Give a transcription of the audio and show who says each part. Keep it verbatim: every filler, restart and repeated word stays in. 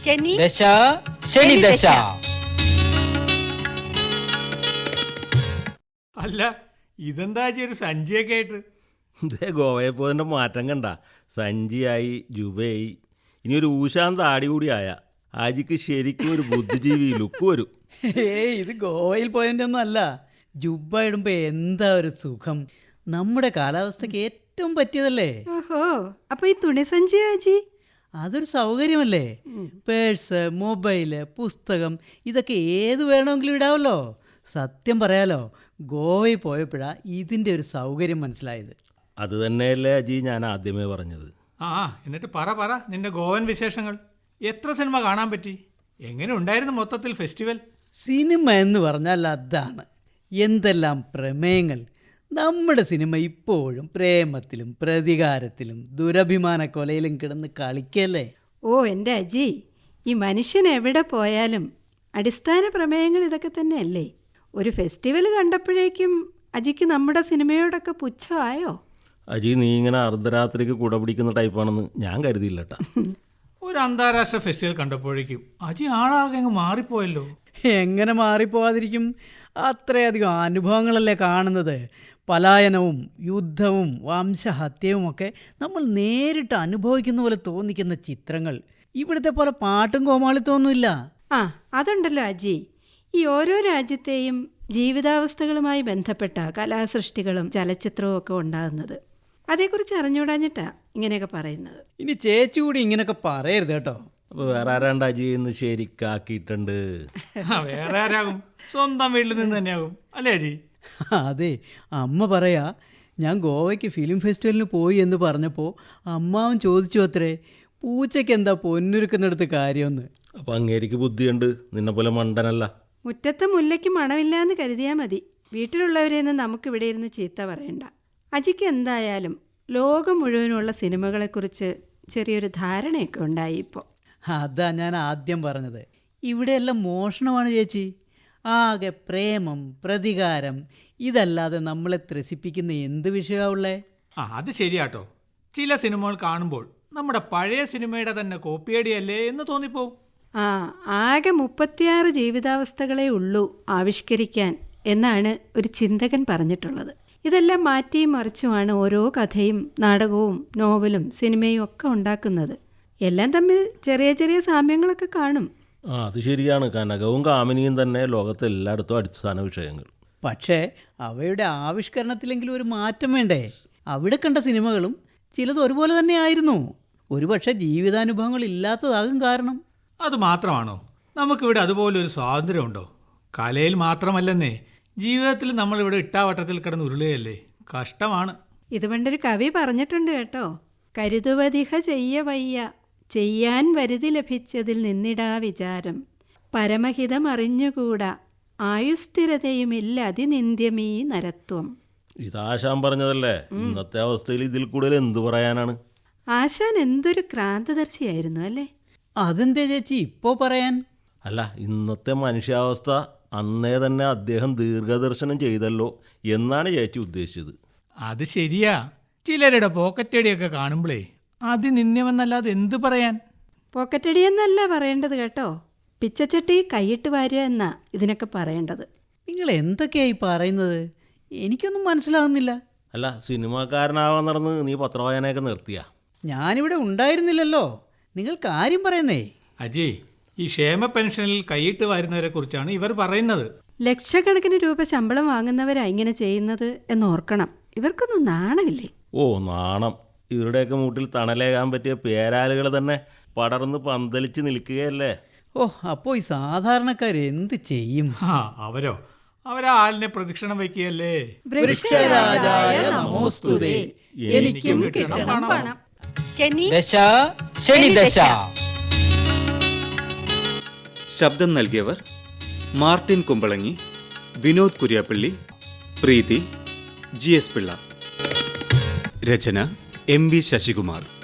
Speaker 1: ശനി
Speaker 2: ദശ ശനി ദശ.
Speaker 3: അല്ല ഇതെന്താ ഒരു സഞ്ചിയൊക്കെ ആയിട്ട്?
Speaker 4: ഇതേ ഗോവയെ പോയതിൻ്റെ മാറ്റം കണ്ട. സഞ്ചിയായി, ജുബയായി, ഇനി ഒരു ഊശാന്ത ആടി കൂടി ആയ ആജിക്ക് ശരിക്കും ഒരു ബുദ്ധിജീവി ലുക്ക് വരും.
Speaker 2: ഏയ് ഇത് ഗോവയിൽ പോയതിൻ്റെ ഒന്നും അല്ല. ജുബ്ബ ഇടുമ്പോ എന്താ ഒരു സുഖം. നമ്മുടെ കാലാവസ്ഥക്ക് ഏറ്റവും പറ്റിയതല്ലേ.
Speaker 1: ഓഹോ, അപ്പൊ ഈ തുണി സഞ്ചി ആജി
Speaker 2: അതൊരു സൗകര്യമല്ലേ. പേഴ്സ്, മൊബൈല്, പുസ്തകം ഇതൊക്കെ ഏത് വേണമെങ്കിലും ഇടാമല്ലോ. സത്യം പറയാലോ, ഗോവയിൽ പോയപ്പോഴാ ഇതിൻ്റെ ഒരു സൗകര്യം മനസ്സിലായത്.
Speaker 4: അത് തന്നെയല്ലേ അജി ഞാൻ ആദ്യമേ പറഞ്ഞത്.
Speaker 3: ആ എന്നിട്ട് പറ പറ നിന്റെ ഗോവൻ വിശേഷങ്ങൾ. എത്ര സിനിമ കാണാൻ പറ്റി? എങ്ങനെ ഉണ്ടായിരുന്നു മൊത്തത്തിൽ ഫെസ്റ്റിവൽ?
Speaker 2: സിനിമ എന്ന് പറഞ്ഞാൽ അതാണ്. എന്തെല്ലാം പ്രമേയങ്ങൾ. നമ്മുടെ സിനിമ ഇപ്പോഴും പ്രേമത്തിലും പ്രതികാരത്തിലും ദുരഭിമാന കൊലയിലും കിടന്ന് കളിക്കല്ലേ.
Speaker 1: ഓ എൻ്റെ അജി, ഈ മനുഷ്യൻ എവിടെ പോയാലും അടിസ്ഥാന പ്രമേയങ്ങൾ ഇതൊക്കെ തന്നെയല്ലേ. ഒരു ഫെസ്റ്റിവൽ കണ്ടപ്പോഴേക്കും അജിക്ക് നമ്മുടെ സിനിമയോടൊക്കെ പുച്ഛമായോ?
Speaker 4: അജി നീ ഇങ്ങനെ അർദ്ധരാത്രിക്ക് കുട പിടിക്കുന്ന ടൈപ്പാണെന്ന് ഞാൻ കരുതിയില്ല കേട്ടാ.
Speaker 3: ഒരു അന്താരാഷ്ട്ര ഫെസ്റ്റിവൽ കണ്ടപ്പോഴേക്കും അജി ആളാകെ അങ്ങ് മാറിപ്പോയല്ലോ.
Speaker 2: എങ്ങനെ മാറിപ്പോവാതിരിക്കും? അത്രയധികം അനുഭവങ്ങളല്ലേ കാണുന്നത്. പലായനവും യുദ്ധവും വംശഹത്യവും ഒക്കെ നമ്മൾ നേരിട്ട് അനുഭവിക്കുന്ന പോലെ തോന്നിക്കുന്ന ചിത്രങ്ങൾ. ഇവിടുത്തെ പോലെ പാട്ടും കോമാളിത്തൊന്നുമില്ല.
Speaker 1: ആ അതുണ്ടല്ലോ അജി, ഈ ഓരോ രാജ്യത്തെയും ജീവിതാവസ്ഥകളുമായി ബന്ധപ്പെട്ട കലാസൃഷ്ടികളും ചലച്ചിത്രവും ഒക്കെ ഉണ്ടാകുന്നത്. അതേക്കുറിച്ച് അറിഞ്ഞുകൂടാഞ്ഞിട്ടാ ഇങ്ങനെയൊക്കെ പറയുന്നത്.
Speaker 2: ഇനി ചേച്ചി കൂടി ഇങ്ങനെയൊക്കെ പറയരുത് കേട്ടോ.
Speaker 4: അപ്പോൾ വേറെ ആരാണ്ട് അജി ഇന്ന് ശരിക്കാക്കിയിട്ടുണ്ട്.
Speaker 3: വേറെ ആരാകും? സ്വന്തം വീട്ടിൽ നിന്ന് തന്നെയാകും അല്ലേ അജി?
Speaker 2: അതെ, അമ്മ പറയാ, ഞാൻ ഗോവയ്ക്ക് ഫിലിം ഫെസ്റ്റിവലിന് പോയി എന്ന് പറഞ്ഞപ്പോൾ അമ്മാവൻ ചോദിച്ചു അത്രേ, പൂച്ചയ്ക്ക് എന്താ പൊന്നുരുക്കുന്നിടത്ത് കാര്യമെന്ന്.
Speaker 4: അപ്പം അങ്ങേരിക്ക് ബുദ്ധിയുണ്ട്, നിന്നെ പോലെ മണ്ടനല്ല.
Speaker 1: മുറ്റത്തെ മുല്ലയ്ക്ക് മണമില്ല എന്ന് കരുതിയാൽ മതി. വീട്ടിലുള്ളവരെയൊന്നും നമുക്കിവിടെ ഇരുന്ന് ചീത്ത പറയണ്ട. അജിക്ക് എന്തായാലും ലോകം മുഴുവനുള്ള സിനിമകളെക്കുറിച്ച് ചെറിയൊരു ധാരണയൊക്കെ ഉണ്ടായി ഇപ്പോൾ.
Speaker 2: അതാ ഞാൻ ആദ്യം പറഞ്ഞത്. ഇവിടെയെല്ലാം മോഷണമാണ് ചേച്ചി. ആകെ പ്രേമം, പ്രതികാരം, ഇതല്ലാതെ നമ്മളെ ത്രസിപ്പിക്കുന്ന എന്ത് വിഷയമുള്ളേ?
Speaker 3: ആ അത് ശരിയാട്ടോ. ചില സിനിമകൾ കാണുമ്പോൾ നമ്മുടെ പഴയ സിനിമയുടെ തന്നെ കോപ്പിയടിയല്ലേ എന്ന് തോന്നിപ്പോവും.
Speaker 1: ആ ആകെ മുപ്പത്തിയാറ് ജീവിതാവസ്ഥകളേ ഉള്ളൂ ആവിഷ്കരിക്കാൻ എന്നാണ് ഒരു ചിന്തകൻ പറഞ്ഞിട്ടുള്ളത്. ഇതെല്ലാം മാറ്റിയും മറിച്ചുമാണ് ഓരോ കഥയും നാടകവും നോവലും സിനിമയും ഒക്കെ ഉണ്ടാക്കുന്നത്. എല്ലാം തമ്മിൽ ചെറിയ ചെറിയ സാമ്യങ്ങളൊക്കെ കാണും.
Speaker 4: ആ അത് ശരിയാണ്. കനകവും കാമിനിയും തന്നെ ലോകത്തെ എല്ലായിടത്തും അടിസ്ഥാന വിഷയങ്ങൾ.
Speaker 2: പക്ഷേ അവയുടെ ആവിഷ്കരണത്തിലെങ്കിലും ഒരു മാറ്റം വേണ്ടേ? അവിടെ കണ്ട സിനിമകളും ചിലത് ഒരുപോലെ തന്നെ ആയിരുന്നു. ഒരുപക്ഷെ ജീവിതാനുഭവങ്ങൾ ഇല്ലാത്തതാകും കാരണം.
Speaker 3: അത് മാത്രമാണോ? നമുക്കിവിടെ അതുപോലൊരു സ്വാതന്ത്ര്യമുണ്ടോ? കലയിൽ മാത്രമല്ലെന്നേ, ജീവിതത്തിൽ നമ്മളിവിടെ ഇട്ടാവട്ടത്തിൽ കിടന്ന് ഉരുളുകയല്ലേ. കഷ്ടമാണ്.
Speaker 1: ഇത് പണ്ടൊരു കവി പറഞ്ഞിട്ടുണ്ട് കേട്ടോ. കരുതുവതിഹ ചെയ്യ വയ്യ, ചെയ്യാൻ വരുതി ലഭിച്ചതിൽ നിന്നിടാ വിചാരം, പരമഹിതം അറിഞ്ഞുകൂടാ, ആയുസ്ഥിരതയുമില്ല അതിനിന്ദ്യമീ നരത്വം.
Speaker 4: ഇതാശാൻ പറഞ്ഞതല്ലേ. ഇന്നത്തെ അവസ്ഥയിൽ ഇതിൽ കൂടുതൽ എന്തു പറയാനാണ്?
Speaker 1: ആശാൻ എന്തൊരു ക്രാന്തദർശിയായിരുന്നു അല്ലേ.
Speaker 2: അതെന്തേ ചേച്ചി ഇപ്പോൾ പറയാൻ?
Speaker 4: അല്ല, ഇന്നത്തെ മനുഷ്യാവസ്ഥ അന്നേ തന്നെ അദ്ദേഹം ദീർഘദർശനം ചെയ്തല്ലോ എന്നാണ് ചേച്ചി ഉദ്ദേശിച്ചത്.
Speaker 3: അത് ശരിയാ. ചിലരുടെ പോക്കറ്റടിയൊക്കെ കാണുമ്പോഴേ അതിനിന്യമെന്നല്ലാതെ എന്തു പറയാൻ?
Speaker 1: പോക്കറ്റടിയെന്നല്ല പറയേണ്ടത് കേട്ടോ, പിച്ചച്ചട്ടി കൈയിട്ട് വാരുക എന്നാ ഇതിനൊക്കെ പറയേണ്ടത്.
Speaker 2: നിങ്ങൾ എന്തൊക്കെയായി പറയുന്നത്? എനിക്കൊന്നും മനസ്സിലാകുന്നില്ല.
Speaker 4: അല്ല, സിനിമാക്കാരനാവാൻ നടന്ന് നീ പത്രവായനയൊക്കെ നിർത്തിയാ?
Speaker 2: ഞാനിവിടെ ഉണ്ടായിരുന്നില്ലല്ലോ. നിങ്ങൾ കാര്യം പറയുന്നേ.
Speaker 3: അജി, ഈ ക്ഷേമ പെൻഷനിൽ കൈയിട്ട് വരുന്നവരെ കുറിച്ചാണ് ഇവർ പറയുന്നത്.
Speaker 1: ലക്ഷക്കണക്കിന് രൂപ ശമ്പളം വാങ്ങുന്നവരാ ഇങ്ങനെ ചെയ്യുന്നത് എന്നോർക്കണം. ഇവർക്കൊന്നും നാണമില്ലേ?
Speaker 4: ഓ നാണം. ഇവരുടെയൊക്കെ മൂട്ടിൽ തണലേകാൻ പറ്റിയ പേരാലുകൾ തന്നെ പടർന്ന് പന്തലിച്ച് നിൽക്കുകയല്ലേ.
Speaker 2: ഓ, അപ്പോൾ ഈ സാധാരണക്കാർ എന്ത് ചെയ്യും?
Speaker 3: ആ അവരോ അവരാ ആളിനെ പ്രദക്ഷിണം വയ്ക്കുകയല്ലേ.
Speaker 2: വൃക്ഷരാജായ നമോസ്തുതേ, എനിക്കും
Speaker 3: കിട്ടണം പണം.
Speaker 1: ശനി
Speaker 2: ദശ ശനി ദശ.
Speaker 5: ശബ്ദം നൽകിയവർ Martin Kumbalangi, Vinod Kuriyappally, Preethi, G S Pillai. രചന എം വി ശശികുമാർ.